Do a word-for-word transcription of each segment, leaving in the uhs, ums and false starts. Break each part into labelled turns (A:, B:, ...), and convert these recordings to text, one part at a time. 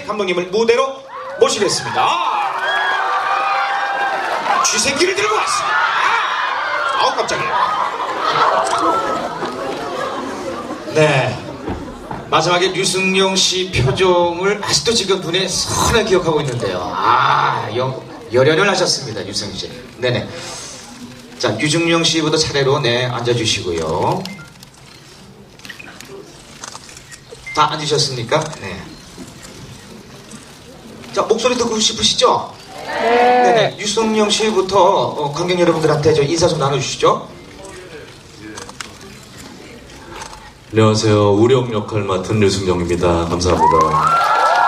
A: 감독님을 무대로 모시겠습니다. 쥐새끼를 들고 왔습니다. 아우 깜짝이야. 네, 마지막에 류승용 씨 표정을 아직도 지금 눈에 선을 기억하고 있는데요. 아, 영, 열연을 하셨습니다, 류승용 씨. 네네. 자, 류승용 씨부터 차례로 네 앉아주시고요. 다 앉으셨습니까? 네. 자, 목소리 듣고 싶으시죠? 네. 네네. 류승용 씨부터 어, 관객 여러분들한테 저 인사 좀 나눠주시죠.
B: 안녕하세요. 우령 역할 맡은 류승용입니다. 감사합니다.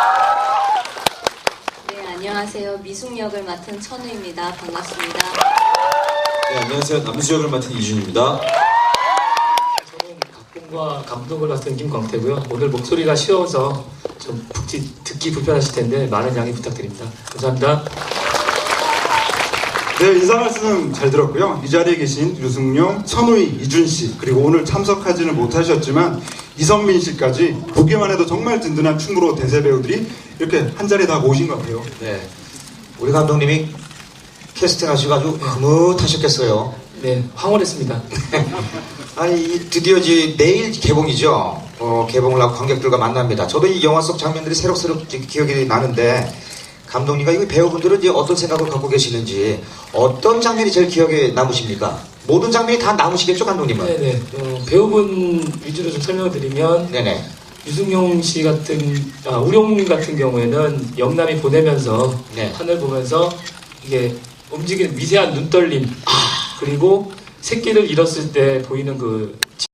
C: 네, 안녕하세요. 미숙 역을 맡은 천우입니다. 반갑습니다.
B: 네, 안녕하세요. 남수 역을 맡은 이준입니다.
D: 저는 각본과 감독을 맡은 김광태고요. 오늘 목소리가 쉬어서 좀 듣기, 듣기 불편하실 텐데 많은 양해 부탁드립니다. 감사합니다.
E: 네, 인사 말씀 잘 들었고요. 이 자리에 계신 류승용, 천우희, 이준씨, 그리고 오늘 참석하지는 못하셨지만 이선민 씨까지 보기만 해도 정말 든든한 충무로 대세 배우들이 이렇게 한 자리에 다 모신 것 같아요.
A: 네. 우리 감독님이 캐스팅 하시고 아주 흐뭇하셨겠어요.
D: 네, 황홀했습니다.
A: 아니, 드디어 이제 내일 개봉이죠. 어, 개봉을 하고 관객들과 만납니다. 저도 이 영화 속 장면들이 새록새록 기억이 나는데, 감독님과 이 배우분들은 이제 어떤 생각을 갖고 계시는지, 어떤 장면이 제일 기억에 남으십니까? 모든 장면이 다 남으시겠죠, 감독님은?
D: 네네. 어, 배우분 위주로 좀 설명을 드리면
A: 네네.
D: 유승용 씨 같은, 아, 우룡 같은 경우에는 영남이 보내면서
A: 네.
D: 하늘 보면서 이게 움직이는 미세한 눈떨림, 그리고 새끼를 잃었을 때 보이는 그